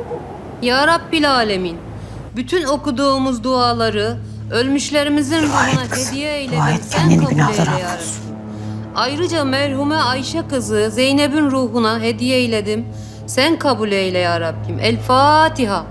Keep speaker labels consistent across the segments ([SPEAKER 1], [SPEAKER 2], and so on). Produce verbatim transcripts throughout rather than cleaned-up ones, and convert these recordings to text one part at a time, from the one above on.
[SPEAKER 1] Ya Rabbil Alemin, bütün okuduğumuz duaları ölmüşlerimizin ruhuna hediye eyledim. Sen kabul eyle ya Rabbi. Ayrıca merhume Ayşe kızı Zeynep'in ruhuna hediye eyledim. Sen kabul eyle ya Rabbim. El Fatiha.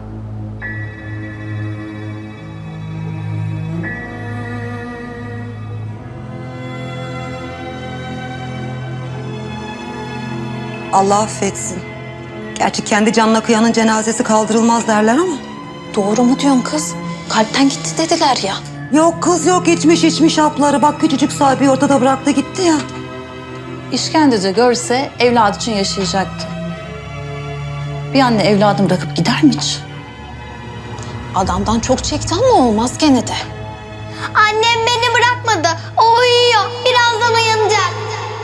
[SPEAKER 2] Allah affetsin. Gerçi kendi canına kıyanın cenazesi kaldırılmaz derler ama.
[SPEAKER 3] Doğru mu diyorsun kız? Kalpten gitti dediler ya.
[SPEAKER 2] Yok kız yok, içmiş içmiş hapları. Bak küçücük sahibi ortada bıraktı gitti ya.
[SPEAKER 3] İşkenceci görse evladı için yaşayacaktı. Bir anne evladını bırakıp gider mi hiç? Adamdan çok çekti ama olmaz gene de.
[SPEAKER 4] Annem beni bırakmadı. O uyuyor. Birazdan uyanacak.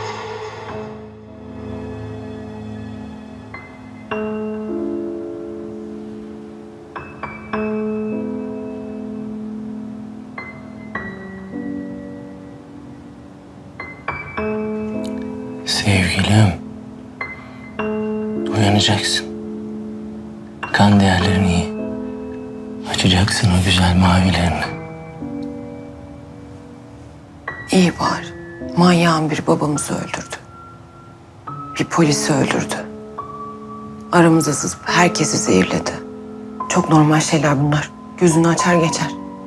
[SPEAKER 5] Sevgilim, uyanacaksın. Kan değerlerini iyi. Açacaksın o güzel mavilerini.
[SPEAKER 6] İyi var. Manyağın bir babamızı öldürdü. Bir polisi öldürdü. Aramıza sızıp herkesi zehirledi. Çok normal şeyler bunlar. Gözünü açar geçer.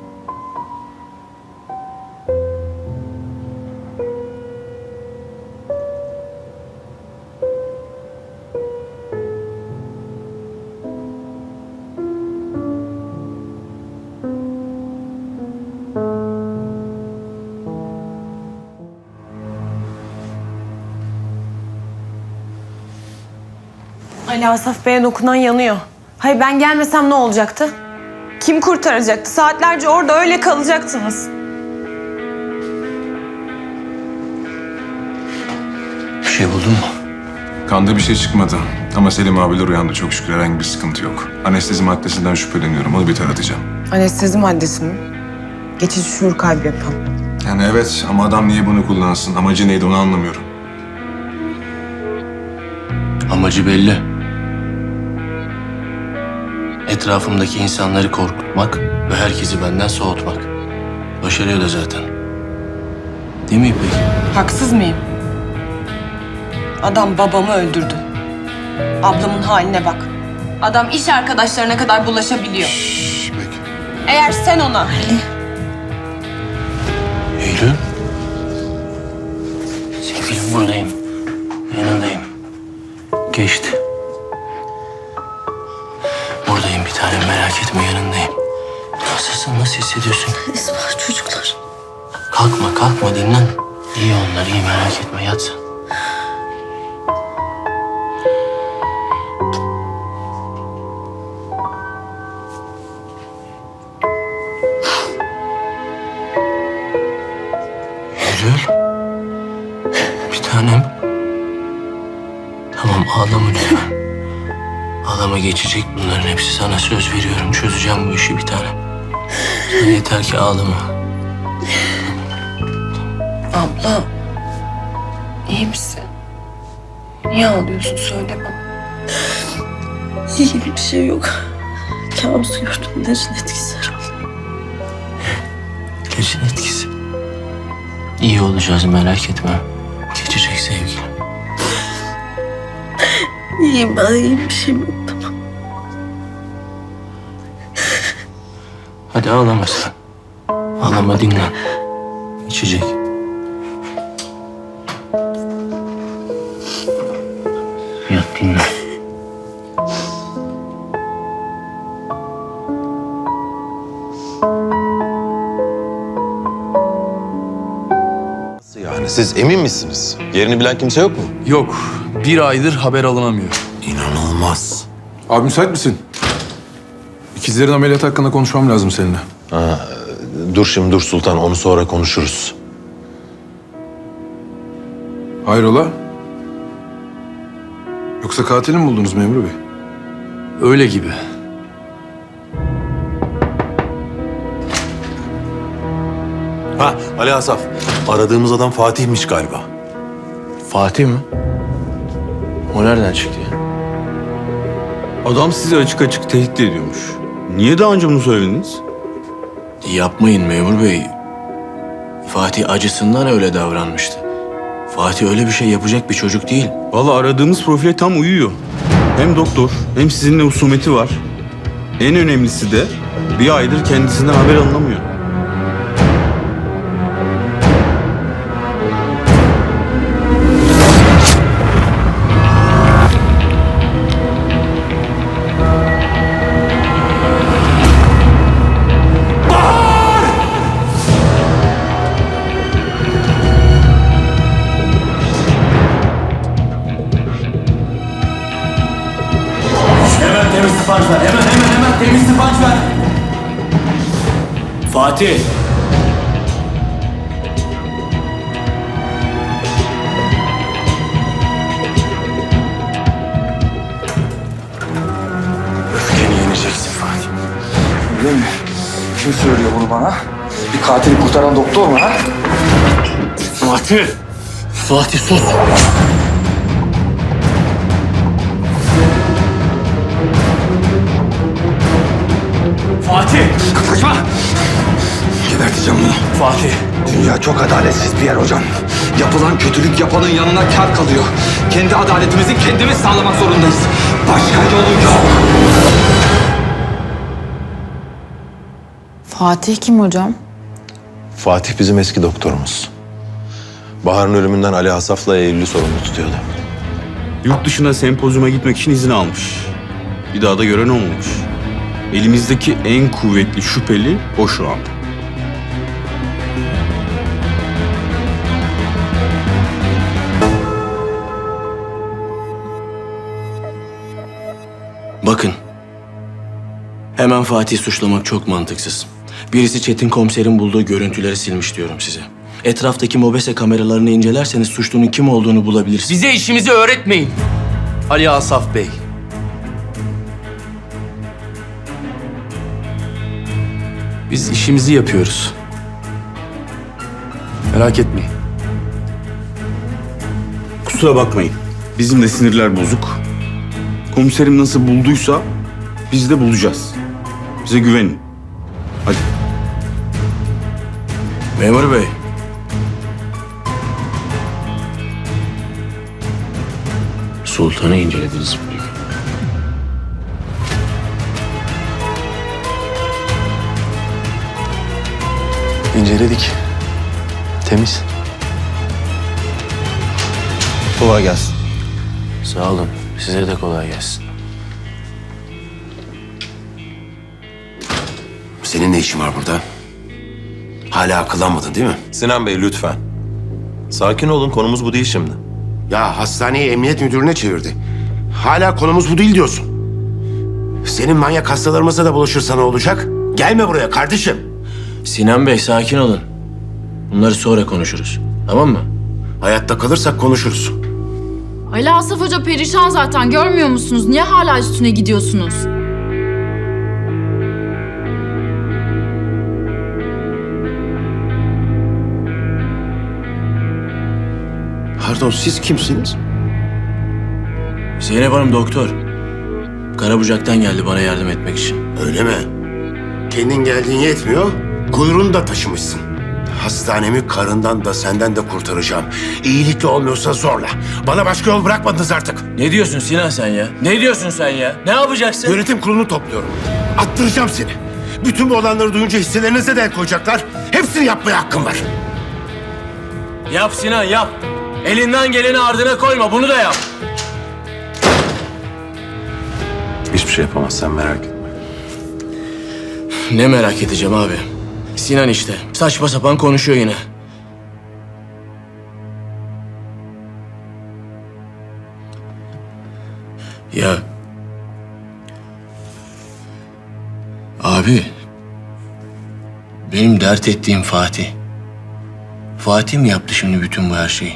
[SPEAKER 7] Ali Asaf Bey'e dokunan yanıyor. Hayır ben gelmesem ne olacaktı? Kim kurtaracaktı? Saatlerce orada öyle kalacaktınız.
[SPEAKER 5] Bir şey buldun mu?
[SPEAKER 8] Kanda bir şey çıkmadı. Ama Selim abiler uyandı. Çok şükür herhangi bir sıkıntı yok. Anestezi maddesinden şüpheleniyorum. Onu bir taratacağım.
[SPEAKER 6] Anestezi maddesi mi? Geçici şuur kaybı yapan.
[SPEAKER 8] Yani evet ama adam niye bunu kullansın? Amacı neydi onu anlamıyorum.
[SPEAKER 5] Amacı belli. Etrafımdaki insanları korkutmak ve herkesi benden soğutmak. Başarıyor da zaten. Değil mi İpek?
[SPEAKER 7] Haksız mıyım? Adam babamı öldürdü. Ablamın haline bak. Adam iş arkadaşlarına kadar bulaşabiliyor.
[SPEAKER 8] Şşş İpek.
[SPEAKER 7] Eğer sen ona...
[SPEAKER 5] Eylül. Sevgilim buradayım. Yanındayım. Geçti. Buradayım bir tanem, merak etme, yanındayım. Nasılsın, nasıl hissediyorsun?
[SPEAKER 3] Esma çocuklar.
[SPEAKER 5] Kalkma, kalkma, dinlen. İyi onlar, iyi, merak etme, yat sen. Eylül. Bir tanem. Tamam, ağlama lütfen. Ağlama, geçecek bunların hepsi. Sana söz veriyorum. Çözeceğim bu işi bir tanem. Sen yeter ki ağlama.
[SPEAKER 6] Abla, iyi misin? Niye ağlıyorsun? Söyle bana.
[SPEAKER 9] İyi bir şey yok. Kabus gördüm. İlacın etkisi herhalde.
[SPEAKER 5] İlacın etkisi. İyi olacağız, merak etme. Geçecek sevgilim.
[SPEAKER 9] İyiyim ben. İyiyim, bir şeyim yok. Tamam.
[SPEAKER 5] Hadi ağlama sen. Ağlama, dinlen. İçecek. Yat, dinlen.
[SPEAKER 10] Nasıl yani? Siz emin misiniz? Yerini bilen kimse yok mu?
[SPEAKER 11] Yok. Bir aydır haber alınamıyor.
[SPEAKER 10] İnanılmaz.
[SPEAKER 8] Abi müsait misin? İkizlerin ameliyatı hakkında konuşmam lazım seninle.
[SPEAKER 10] Ha, dur şimdi dur Sultan. Onu sonra konuşuruz.
[SPEAKER 8] Hayrola? Yoksa katili mi buldunuz memur bey?
[SPEAKER 11] Öyle gibi.
[SPEAKER 10] Ha Ali Asaf. Aradığımız adam Fatih'miş galiba.
[SPEAKER 5] Fatih mi? O nereden çıktı ya?
[SPEAKER 12] Adam sizi açık açık tehdit ediyormuş. Niye daha önce bunu söylediniz?
[SPEAKER 5] Yapmayın memur bey. Fatih acısından öyle davranmıştı. Fatih öyle bir şey yapacak bir çocuk değil.
[SPEAKER 12] Vallahi aradığımız profile tam uyuyor. Hem doktor hem sizinle husumeti var. En önemlisi de bir aydır kendisinden haber alınamıyor.
[SPEAKER 5] Hemen temiz tıpanç ver. Hemen hemen hemen temiz tıpanç ver. Fatih. Öfkeni yeneceksin Fatih.
[SPEAKER 11] Öyle mi? Kim söylüyor bunu bana? Bir katili kurtaran doktor mu ha?
[SPEAKER 5] Fatih. Fatih sus. Fatih.
[SPEAKER 11] Kaçma! Geberteceğim bunu.
[SPEAKER 5] Fatih.
[SPEAKER 11] Dünya çok adaletsiz bir yer hocam. Yapılan kötülük yapanın yanına kâr kalıyor. Kendi adaletimizi kendimiz sağlamak zorundayız. Başka yolu yok.
[SPEAKER 3] Fatih kim hocam?
[SPEAKER 10] Fatih bizim eski doktorumuz. Bahar'ın ölümünden Ali Asaf'la Eylül'ü sorumlu tutuyordu.
[SPEAKER 12] Yurt dışına sempozyuma gitmek için izin almış. Bir daha da gören olmamış. Elimizdeki en kuvvetli şüpheli o şu an.
[SPEAKER 5] Bakın. Hemen Fatih'i suçlamak çok mantıksız. Birisi Çetin komiserin bulduğu görüntüleri silmiş diyorum size. Etraftaki mobese kameralarını incelerseniz suçlunun kim olduğunu bulabilirsiniz.
[SPEAKER 11] Bize işimizi öğretmeyin. Ali Asaf Bey. Biz işimizi yapıyoruz. Merak etmeyin.
[SPEAKER 12] Kusura bakmayın. Bizim de sinirler bozuk. Komiserim nasıl bulduysa biz de bulacağız. Bize güvenin. Hadi.
[SPEAKER 5] Memur bey. Sultan'ı incelediniz mi?
[SPEAKER 10] İnceledik. Temiz. Kolay gelsin.
[SPEAKER 5] Sağ olun. Size de kolay gelsin.
[SPEAKER 13] Senin ne işin var burada? Hala akıllanmadın değil mi?
[SPEAKER 10] Sinan Bey lütfen. Sakin olun, konumuz bu değil şimdi.
[SPEAKER 13] Ya hastaneyi emniyet müdürüne çevirdi. Hala konumuz bu değil diyorsun. Senin manyak hastalarımızla da buluşursa ne olacak? Gelme buraya kardeşim.
[SPEAKER 5] Sinan Bey sakin olun. Bunları sonra konuşuruz. Tamam mı?
[SPEAKER 13] Hayatta kalırsak konuşuruz.
[SPEAKER 14] Ali Asaf Hoca perişan zaten, görmüyor musunuz? Niye hala üstüne gidiyorsunuz?
[SPEAKER 13] Pardon, siz kimsiniz?
[SPEAKER 5] Zeynep Hanım doktor. Karabucak'tan geldi bana yardım etmek için.
[SPEAKER 13] Öyle mi? Kendin geldiğin yetmiyor, kuyruğunu da taşımışsın. Hastanemi karından da senden de kurtaracağım. İyilikle olmuyorsa zorla. Bana başka yol bırakmadınız artık.
[SPEAKER 5] Ne diyorsun Sinan sen ya? Ne diyorsun sen ya? Ne yapacaksın?
[SPEAKER 13] Yönetim kurulunu topluyorum. Attıracağım seni. Bütün bu olanları duyunca hisselerinize de el koyacaklar. Hepsini yapmaya hakkım var.
[SPEAKER 5] Yap Sinan yap. Elinden geleni ardına koyma, bunu da yap.
[SPEAKER 10] Hiçbir şey yapamazsan merak etme.
[SPEAKER 5] Ne merak edeceğim abi? Sinan işte. Saçma sapan konuşuyor yine. Ya... Abi... Benim dert ettiğim Fatih. Fatih mi yaptı şimdi bütün bu her şeyi?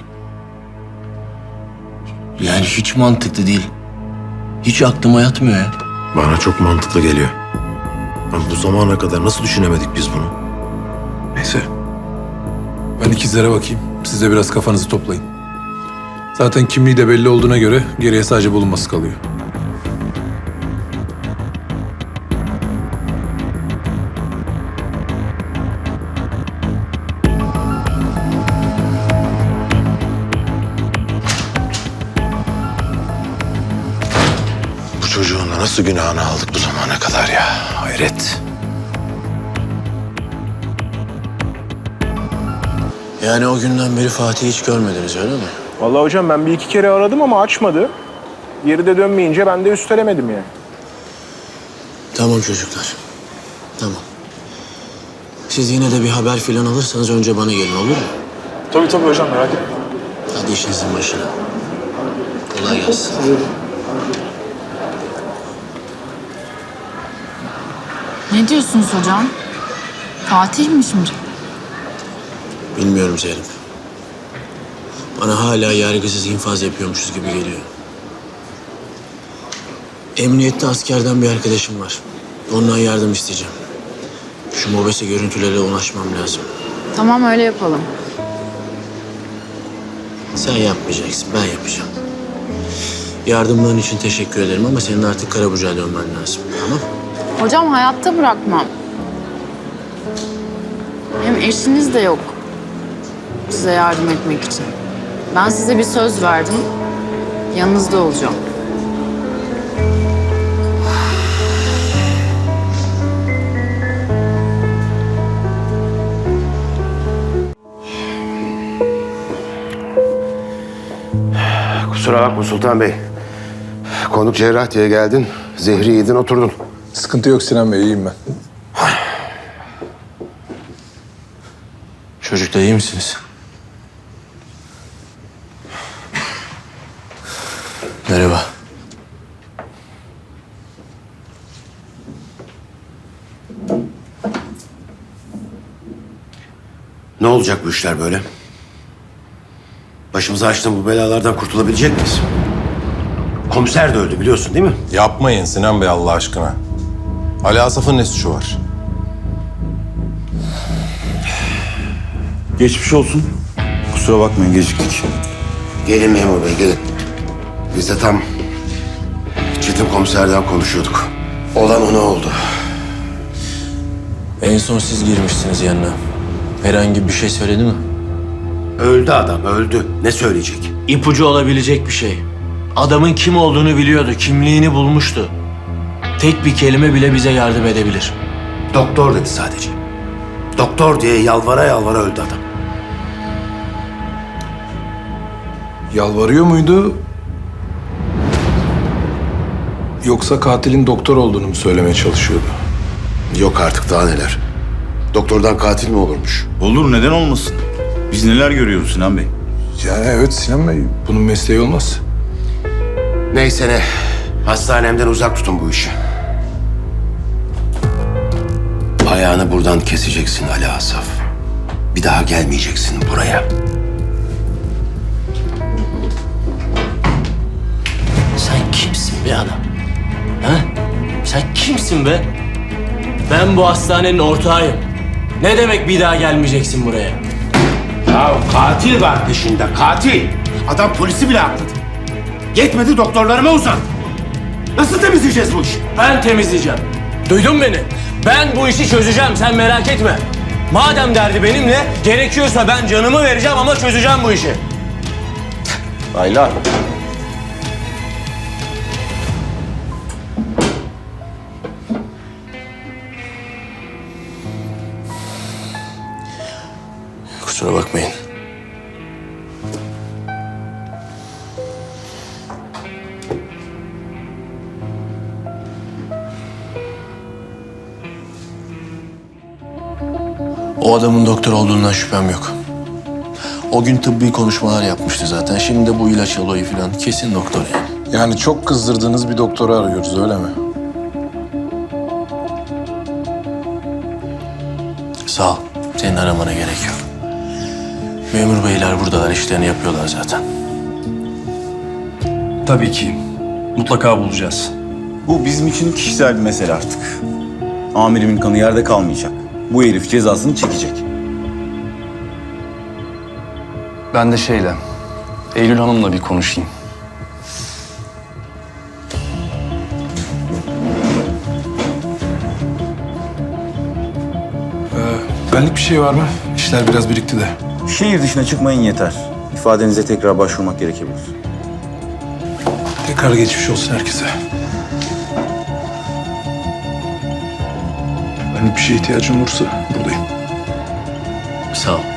[SPEAKER 5] Yani hiç mantıklı değil. Hiç aklıma yatmıyor ya.
[SPEAKER 10] Bana çok mantıklı geliyor. Ama bu zamana kadar nasıl düşünemedik biz bunu? Neyse.
[SPEAKER 11] Ben ikizlere bakayım. Siz de biraz kafanızı toplayın. Zaten kimliği de belli olduğuna göre geriye sadece bulunması kalıyor.
[SPEAKER 10] Nasıl günahını aldık bu zamana kadar ya? Hayret.
[SPEAKER 5] Yani o günden beri Fatih'i hiç görmediniz öyle mi?
[SPEAKER 15] Vallahi hocam ben bir iki kere aradım ama açmadı. Geri de dönmeyince ben de üstelemedim yani.
[SPEAKER 5] Tamam çocuklar. Tamam. Siz yine de bir haber filan alırsanız önce bana gelin, olur mu?
[SPEAKER 15] Tabii tabii hocam, merak etme.
[SPEAKER 5] Hadi işinizin başına. Kolay gelsin.
[SPEAKER 14] Ne diyorsunuz hocam? Fatih mi şimdi?
[SPEAKER 5] Bilmiyorum Zeynep. Bana hala yargısız infaz yapıyormuşuz gibi geliyor. Emniyette askerden bir arkadaşım var. Ondan yardım isteyeceğim. Şu mobese görüntülere ulaşmam lazım.
[SPEAKER 14] Tamam, öyle yapalım.
[SPEAKER 5] Sen yapmayacaksın, ben yapacağım. Yardımların için teşekkür ederim ama senin artık Karabucak'a dönmen lazım, tamam?
[SPEAKER 14] Hocam hayatta bırakmam. Hem eşiniz de yok size yardım etmek için. Ben size bir söz verdim. Yanınızda olacağım.
[SPEAKER 13] Kusura bakma Sultan Bey. Konuk cerrah diye geldin. Zehri yedin oturdun.
[SPEAKER 8] Sıkıntı yok Sinan Bey, iyiyim ben.
[SPEAKER 5] Çocuklar iyi misiniz? Merhaba.
[SPEAKER 13] Ne olacak bu işler böyle? Başımıza açtığın bu belalardan kurtulabilecek miyiz? Komiser de öldü biliyorsun değil mi?
[SPEAKER 10] Yapmayın Sinan Bey Allah aşkına. Ali Asaf'ın ne suçu var?
[SPEAKER 12] Geçmiş olsun. Kusura bakmayın geciktik.
[SPEAKER 13] Gelin memur bey gelin. Biz de tam Çetin komiserden konuşuyorduk. Olan ona oldu.
[SPEAKER 5] En son siz girmişsiniz yanına. Herhangi bir şey söyledi mi?
[SPEAKER 13] Öldü adam öldü. Ne söyleyecek?
[SPEAKER 5] İpucu olabilecek bir şey. Adamın kim olduğunu biliyordu, kimliğini bulmuştu. Tek bir kelime bile bize yardım edebilir.
[SPEAKER 13] Doktor dedi sadece. Doktor diye yalvara yalvara öldü adam.
[SPEAKER 8] Yalvarıyor muydu? Yoksa katilin doktor olduğunu mu söylemeye çalışıyordu?
[SPEAKER 13] Yok artık daha neler. Doktordan katil mi olurmuş?
[SPEAKER 12] Olur, neden olmasın? Biz neler görüyoruz Sinan Bey?
[SPEAKER 8] Yani evet Sinan Bey, bunun mesleği olmaz.
[SPEAKER 13] Neyse ne. Hastanemden uzak tutun bu işi. Ayağını buradan keseceksin Ali Asaf. Bir daha gelmeyeceksin buraya.
[SPEAKER 5] Sen kimsin be adam? Ha? Sen kimsin be? Ben bu hastanenin ortağıyım. Ne demek bir daha gelmeyeceksin buraya?
[SPEAKER 13] Ya katil var peşinde, katil. Adam polisi bile atladı. Yetmedi doktorlarıma uzan. Nasıl temizleyeceğiz bu işi?
[SPEAKER 5] Ben temizleyeceğim. Duydun beni? Ben bu işi çözeceğim, sen merak etme. Madem derdi benimle, gerekiyorsa ben canımı vereceğim ama çözeceğim bu işi.
[SPEAKER 12] Ayla.
[SPEAKER 5] Kusura bakmayın. O adamın doktor olduğundan şüphem yok. O gün tıbbi konuşmalar yapmıştı zaten. Şimdi de bu ilaç olayı falan kesin doktor yani.
[SPEAKER 8] Yani çok kızdırdığınız bir doktoru arıyoruz öyle mi?
[SPEAKER 5] Sağ ol. Senin aramana gerek yok. Memur beyler buradalar, işlerini yapıyorlar zaten.
[SPEAKER 12] Tabii ki. Mutlaka bulacağız. Bu bizim için kişisel bir mesele artık. Amirimin kanı yerde kalmayacak. Bu herif cezasını çekecek.
[SPEAKER 16] Ben de şeyle, Eylül Hanım'la bir konuşayım.
[SPEAKER 8] Ee, benlik bir şey var mı? İşler biraz birikti de.
[SPEAKER 12] Şehir dışına çıkmayın yeter. İfadenize tekrar başvurmak gerekebilir.
[SPEAKER 8] Tekrar geçmiş olsun herkese.
[SPEAKER 15] Hani bir şeye ihtiyacın olursa buradayım.
[SPEAKER 5] Sağ ol.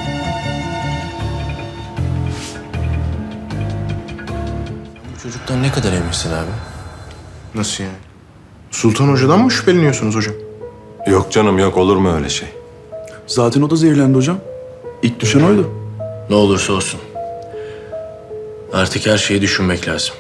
[SPEAKER 5] Bu çocuktan ne kadar eminsin abi?
[SPEAKER 15] Nasıl yani? Sultan Hoca'dan mı şüpheleniyorsunuz hocam?
[SPEAKER 10] Yok canım yok, olur mu öyle şey?
[SPEAKER 12] Zaten o da zehirlendi hocam. İlk düşen oydu.
[SPEAKER 5] Ne olursa olsun. Artık her şeyi düşünmek lazım.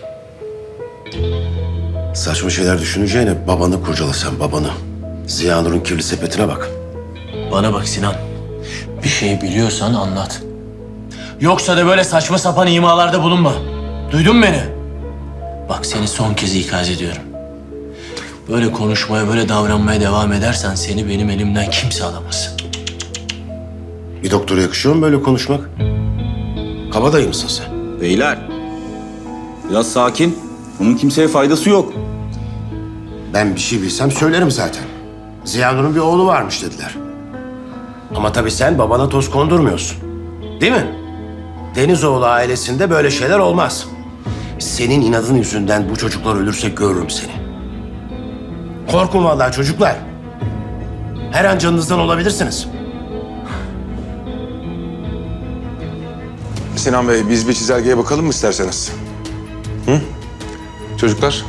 [SPEAKER 13] Saçma şeyler düşüneceğine babanı kurcala sen, babanı. Ziya Nur'un kirli sepetine bak.
[SPEAKER 5] Bana bak Sinan. Bir şey biliyorsan anlat. Yoksa da böyle saçma sapan imalarda bulunma. Duydun mu beni? Bak seni son kez ikaz ediyorum. Böyle konuşmaya, böyle davranmaya devam edersen seni benim elimden kimse alamaz.
[SPEAKER 13] Bir doktora yakışıyor mu böyle konuşmak? Kabadayı mısın sen?
[SPEAKER 12] Beyler, biraz sakin. Bunun kimseye faydası yok.
[SPEAKER 13] Ben bir şey bilsem söylerim zaten. Ziya Nur'un bir oğlu varmış dediler. Ama tabii sen babana toz kondurmuyorsun. Değil mi? Denizoğlu ailesinde böyle şeyler olmaz. Senin inadın yüzünden bu çocuklar ölürse görürüm seni. Korkun vallahi çocuklar. Her an canınızdan olabilirsiniz.
[SPEAKER 15] Sinan Bey, biz bir çizelgeye bakalım mı isterseniz? Hı? Çocuklar?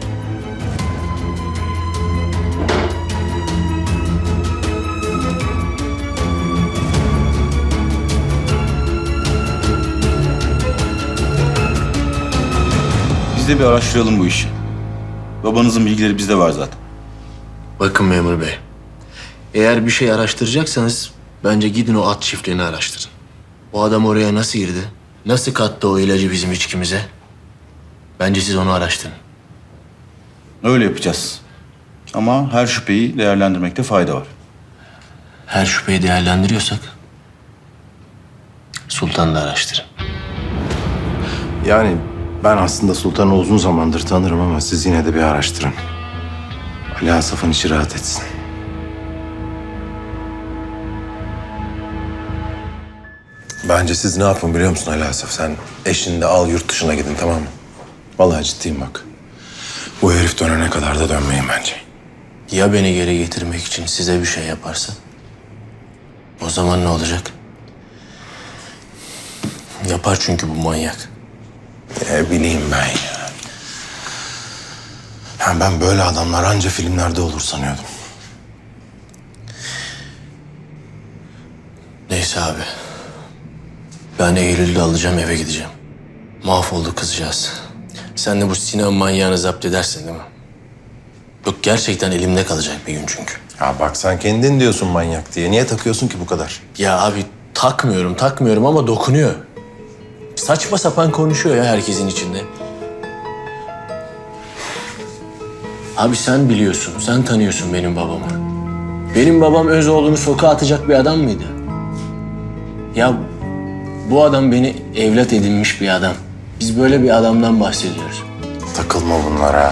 [SPEAKER 12] Biz de bir araştıralım bu işi. Babanızın bilgileri bizde var zaten.
[SPEAKER 5] Bakın memur bey. Eğer bir şey araştıracaksanız bence gidin o at çiftliğini araştırın. O adam oraya nasıl girdi? Nasıl kattı o ilacı bizim içkimize? Bence siz onu araştırın.
[SPEAKER 12] Öyle yapacağız. Ama her şüpheyi değerlendirmekte fayda var.
[SPEAKER 5] Her şüpheyi değerlendiriyorsak Sultan'ı da araştırın.
[SPEAKER 11] Yani ben aslında Sultan'ı uzun zamandır tanırım ama siz yine de bir araştırın. Ali Asaf'ın içi rahat etsin. Bence siz ne yapın biliyor musun Ali Asaf? Sen eşini de al yurt dışına gidin, tamam mı? Vallahi ciddiyim bak. Bu herif dönene kadar da dönmeyin bence.
[SPEAKER 5] Ya beni geri getirmek için size bir şey yaparsa? O zaman ne olacak? Yapar çünkü bu manyak.
[SPEAKER 11] Ne bileyim ben ya. Ya ben böyle adamlar anca filmlerde olur sanıyordum.
[SPEAKER 5] Neyse abi. Ben Eylül'ü alacağım, eve gideceğim. Mahvoldu kızcağız. Sen de bu Sinan manyağını zapt edersin değil mi? Yok gerçekten elimde kalacak bir gün çünkü.
[SPEAKER 11] Ya bak sen kendin diyorsun manyak diye. Niye takıyorsun ki bu kadar?
[SPEAKER 5] Ya abi takmıyorum, takmıyorum ama dokunuyor. Saçma sapan konuşuyor ya herkesin içinde. Abi sen biliyorsun, sen tanıyorsun benim babamı. Benim babam öz oğlunu sokağa atacak bir adam mıydı? Ya bu adam beni evlat edinmiş bir adam. Biz böyle bir adamdan bahsediyoruz.
[SPEAKER 11] Takılma bunlara.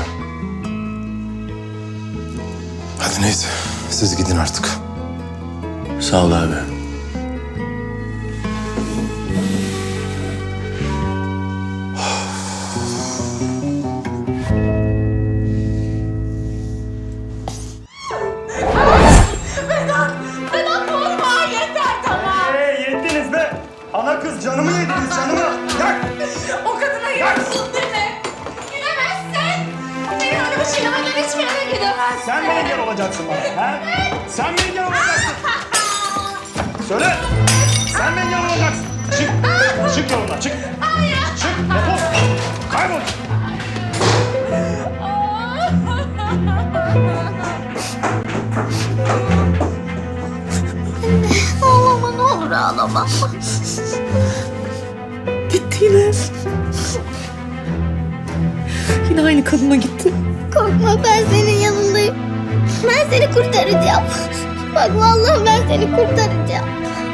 [SPEAKER 11] Hadi neyse, siz gidin artık.
[SPEAKER 5] Sağ ol abi.
[SPEAKER 17] Vedat! Vedat vurma! Yeter tamam!
[SPEAKER 18] Ee, yettiniz be! Ana kız canımı yediniz canımı! Yak!
[SPEAKER 17] O kadına gidiyorsun değil mi? Gidemezsin! Benim önümü çiğnemeden hiçbir yere gidemezsin!
[SPEAKER 18] Sen mi engel olacaksın bana? Ha? Sen mi engel olacaksın? Söyle! Sen mi engel olacaksın? Çık! Çık yolundan çık! Çık! Defol! Kaybol!
[SPEAKER 4] Ağlama ne olur ağlama.
[SPEAKER 9] Gitti yine. Yine aynı kadına gitti.
[SPEAKER 4] Korkma ben senin yanındayım. Ben seni kurtaracağım. Bak vallahi ben seni kurtaracağım.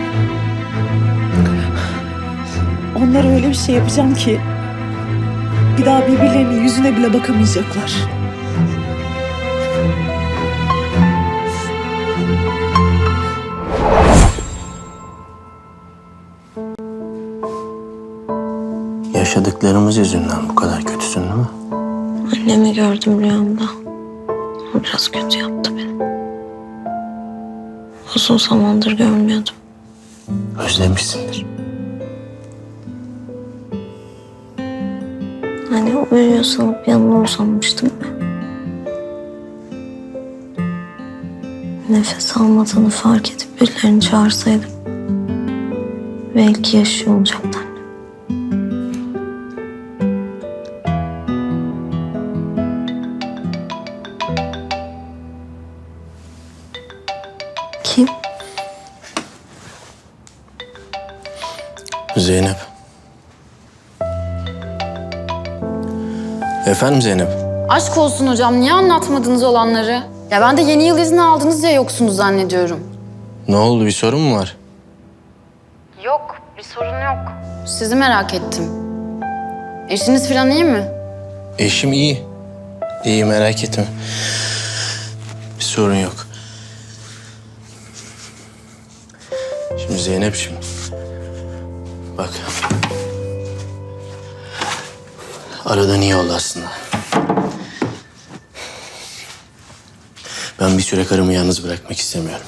[SPEAKER 9] Onlara öyle bir şey yapacağım ki bir daha birbirlerinin yüzüne bile bakamayacaklar.
[SPEAKER 5] Yaşadıklarımız yüzünden bu kadar kötüsün değil mi?
[SPEAKER 4] Annemi gördüm rüyamda. O biraz kötü yaptı beni. Uzun zamandır görmüyordum.
[SPEAKER 5] Özlemişsindir.
[SPEAKER 4] Hani uyuyor sanıp yanına uzanmıştım. Nefes almadığını fark edip birilerini çağırsaydım belki yaşıyor olacaktı. Kim?
[SPEAKER 5] Zeynep. Efendim Zeynep?
[SPEAKER 14] Aşk olsun hocam, niye anlatmadınız olanları? Ya ben de yeni yıl izni aldınız diye yoksunuz zannediyorum.
[SPEAKER 5] Ne oldu, bir sorun mu var?
[SPEAKER 14] Yok, bir sorun yok. Sizi merak ettim. Eşiniz falan iyi mi?
[SPEAKER 5] Eşim iyi. İyi, merak etme. Bir sorun yok. Şimdi Zeynep'ciğim. Bak. Aradan iyi oldu aslında. Ben bir süre karımı yalnız bırakmak istemiyorum.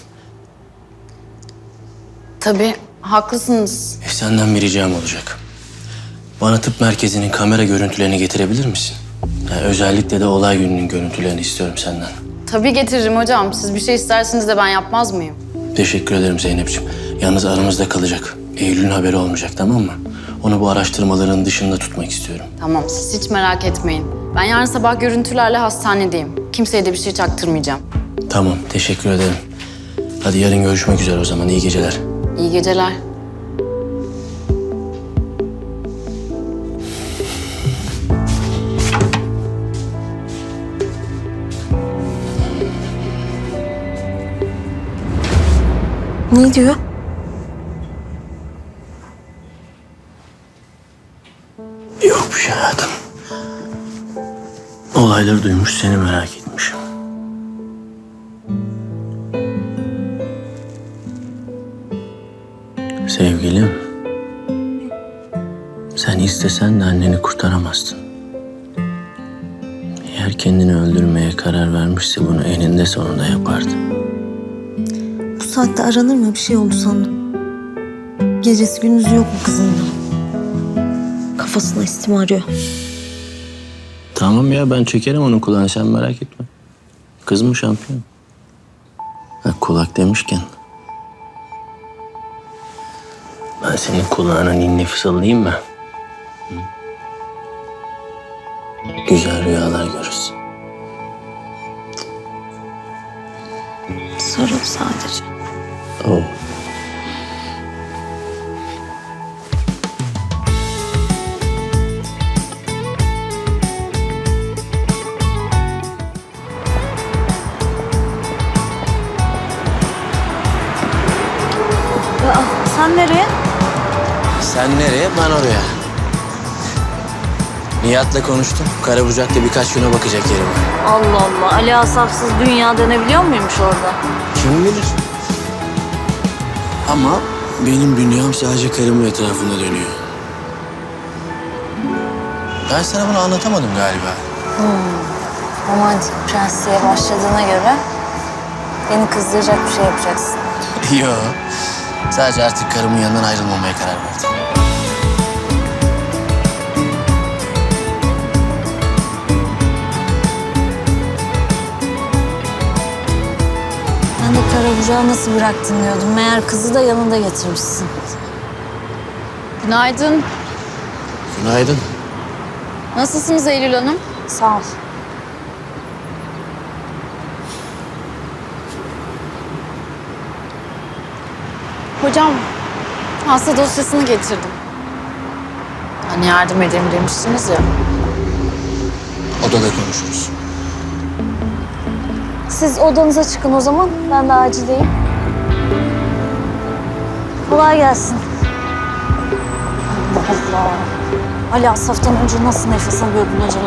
[SPEAKER 14] Tabii, haklısınız.
[SPEAKER 5] E, senden bir ricam olacak. Bana tıp merkezinin kamera görüntülerini getirebilir misin? Yani özellikle de olay gününün görüntülerini istiyorum senden.
[SPEAKER 14] Tabii getiririm hocam. Siz bir şey isterseniz de ben yapmaz mıyım?
[SPEAKER 5] Teşekkür ederim Zeynep'ciğim. Yalnız aramızda kalacak. Eylül'ün haberi olmayacak, tamam mı? Onu bu araştırmaların dışında tutmak istiyorum.
[SPEAKER 14] Tamam, siz hiç merak etmeyin. Ben yarın sabah görüntülerle hastanedeyim. Kimseye de bir şey çaktırmayacağım.
[SPEAKER 5] Tamam, teşekkür ederim. Hadi yarın görüşmek üzere o zaman. İyi geceler.
[SPEAKER 14] İyi geceler.
[SPEAKER 4] Ne diyor?
[SPEAKER 5] Yok bir şey hayatım. Olayları duymuş, seni merak etmiş. Sevgilim, sen istesen de anneni kurtaramazsın. Eğer kendini öldürmeye karar vermişse bunu eninde sonunda yapardı.
[SPEAKER 4] Bu saatte aranır mı? Bir şey oldu sandım. Gecesi gündüzü yok mu kızın da? Kafasına istim arıyor.
[SPEAKER 5] Tamam ya, ben çekerim onun kulağını, sen merak etme. Kız mı şampiyon? Ha, kulak demişken. Ben senin kulağına ninni fısıldayayım mı? Hı? Güzel rüyalar görürsün.
[SPEAKER 4] Sarıl sadece.
[SPEAKER 5] Oh.
[SPEAKER 4] Aa, sen nereye?
[SPEAKER 5] Sen nereye, ben oraya. Nihat'la konuştum. Karabucak'ta birkaç güne bakacak yerim var.
[SPEAKER 4] Allah Allah. Ali Asafsız dünya dönebiliyor muymuş orada?
[SPEAKER 5] Kim bilir? Ama benim dünyam sadece karımın etrafında dönüyor. Ben sana bunu anlatamadım galiba.
[SPEAKER 4] Hmm. Romantik prensliğe başladığına göre beni kızdıracak bir şey yapacaksın.
[SPEAKER 5] Yok. Sadece artık karımın yanından ayrılmamaya karar verdim.
[SPEAKER 4] Ben de Karabucak'ı nasıl bıraktın diyordum. Meğer kızı da yanında getirmişsin.
[SPEAKER 14] Günaydın.
[SPEAKER 5] Günaydın.
[SPEAKER 14] Nasılsınız Eylül Hanım?
[SPEAKER 4] Sağ ol.
[SPEAKER 14] Hocam, hasta dosyasını getirdim. Hani yardım edeyim demiştiniz ya.
[SPEAKER 5] Odada konuşuruz.
[SPEAKER 4] Siz odanıza çıkın o zaman. Ben de acildeyim. Kolay gelsin. Allah Allah. Ali Asaf'tan önce nasıl nefes alıyordun acaba?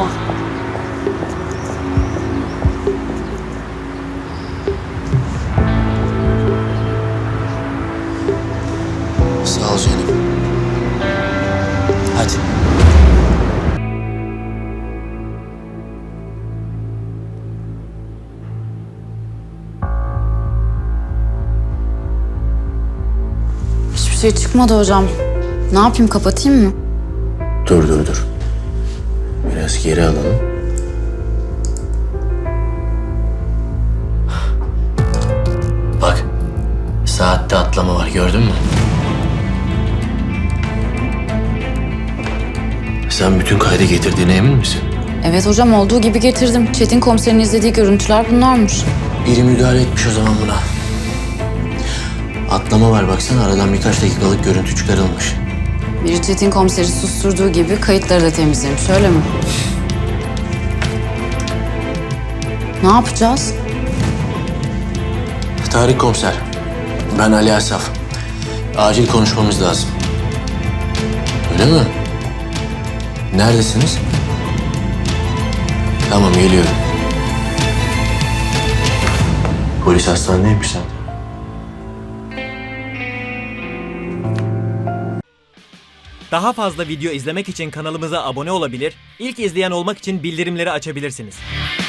[SPEAKER 5] Sağ ol Zeynep. Hadi.
[SPEAKER 14] Hiçbir şey çıkmadı hocam. Ne yapayım, kapatayım mı?
[SPEAKER 5] Dur dur dur. Biraz geri alalım. Bak. Saatte atlama var, gördün mü? Sen bütün kaydı getirdiğine emin misin?
[SPEAKER 14] Evet hocam, olduğu gibi getirdim. Çetin komiserin izlediği görüntüler bunlarmış.
[SPEAKER 5] Biri müdahale etmiş o zaman buna. Atlama var baksana, aradan birkaç dakikalık görüntü çıkarılmış.
[SPEAKER 14] Biri Çetin komiseri susturduğu gibi kayıtları da temizlemiş, öyle mi? Ne yapacağız?
[SPEAKER 5] Tarık komiser, ben Ali Asaf. Acil konuşmamız lazım. Öyle mi? Neredesiniz? Tamam, geliyorum. Polis hastanedeymiş zaten.
[SPEAKER 19] Daha fazla video izlemek için kanalımıza abone olabilir, ilk izleyen olmak için bildirimleri açabilirsiniz.